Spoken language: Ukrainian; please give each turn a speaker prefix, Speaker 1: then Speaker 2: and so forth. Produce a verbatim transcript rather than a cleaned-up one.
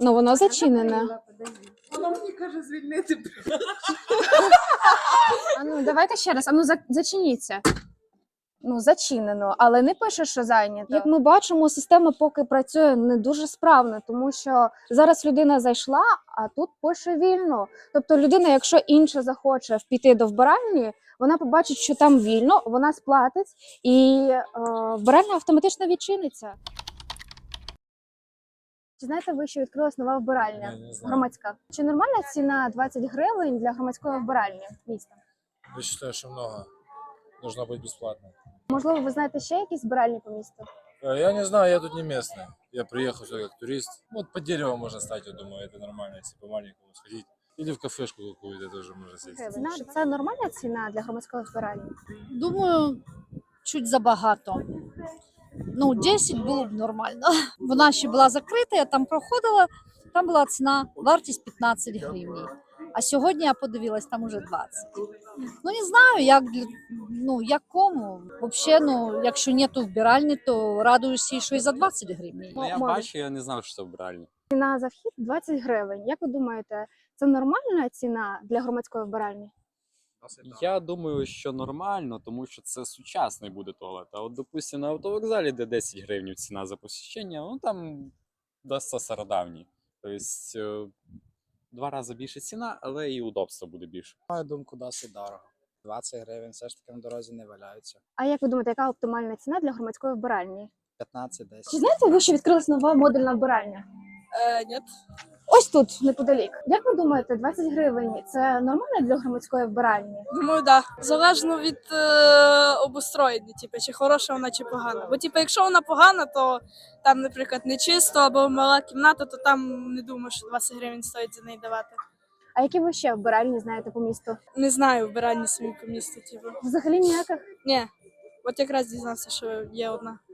Speaker 1: Ну, воно зачинене.
Speaker 2: Вона мені каже звільнити.
Speaker 1: А ну, давайте ще раз. А ну, за- зачиніться. Ну, зачинено, але не пише, що зайнято. Як ми бачимо, система поки працює не дуже справно, тому що зараз людина зайшла, а тут пише вільно. Тобто людина, якщо інша захоче піти до вбиральні, вона побачить, що там вільно, вона сплатить, і е, вбиральня автоматично відчиниться. Чи знаєте ви, що відкрилась нова вбиральня
Speaker 3: Я не знаю.
Speaker 1: громадська? Чи нормальна ціна двадцять гривень для громадської вбиральні міста?
Speaker 3: Я считаю, что много. Должно быть бесплатно.
Speaker 1: Можливо, ви знаєте ще якісь вбиральні по місту?
Speaker 3: Э, Я не знаю, я тут не местный. Я приехал сюда как турист. Вот по дереву можно стать, я думаю, это нормально, если по-маленькому сходить. Или в кафешку какую-то тоже можно сесть.
Speaker 1: Ціна- Це нормальна ціна для громадської вбиральні?
Speaker 4: Думаю, чуть забагато. Ну, десять було б нормально. Вона ще була закрита, я там проходила, там була ціна, вартість п'ятнадцять гривень. А сьогодні я подивилась, там уже двадцять. Ну, не знаю, як, для- ну, як кому. Взагалі, ну, якщо нету вбиральні, то радуюся, що і за двадцять гривень.
Speaker 5: Ну, я
Speaker 1: Може.
Speaker 5: бачу, я не знав, що це вбиральня.
Speaker 1: Ціна за вхід двадцять гривень. Як ви думаєте, це нормальна ціна для громадської вбиральні?
Speaker 5: Я думаю, що нормально, тому що це сучасний буде туалет. А от, допустим, на автовокзалі, де десять гривень ціна за посещення, ну там досить стародавні. Тобто е, два рази більше ціна, але і удобство буде більше.
Speaker 6: На мою думку, досить дорого. двадцять гривень все ж таки на дорозі не валяються.
Speaker 1: А як ви думаєте, яка оптимальна ціна для громадської вбиральні?
Speaker 6: п'ятнадцять десять.
Speaker 1: Чи знаєте ви, що відкрилась нова модульна вбиральня?
Speaker 2: Е, ні.
Speaker 1: Ось тут, неподалік. Як ви думаєте, двадцять гривень це нормально для громадської вбиральні?
Speaker 7: Думаю, да. Залежно від е, обустроєння, типу, чи хороша вона, чи погана. Бо, типу, якщо вона погана, то там, наприклад, не чисто або мала кімната, то там не думаю, що двадцять гривень стоїть за неї давати.
Speaker 1: А які ви ще вбиральні знаєте по місту?
Speaker 7: Не знаю вбиральні самі по місту, типу.
Speaker 1: Взагалі ніяких?
Speaker 7: Ні. От якраз дізнався, що є одна.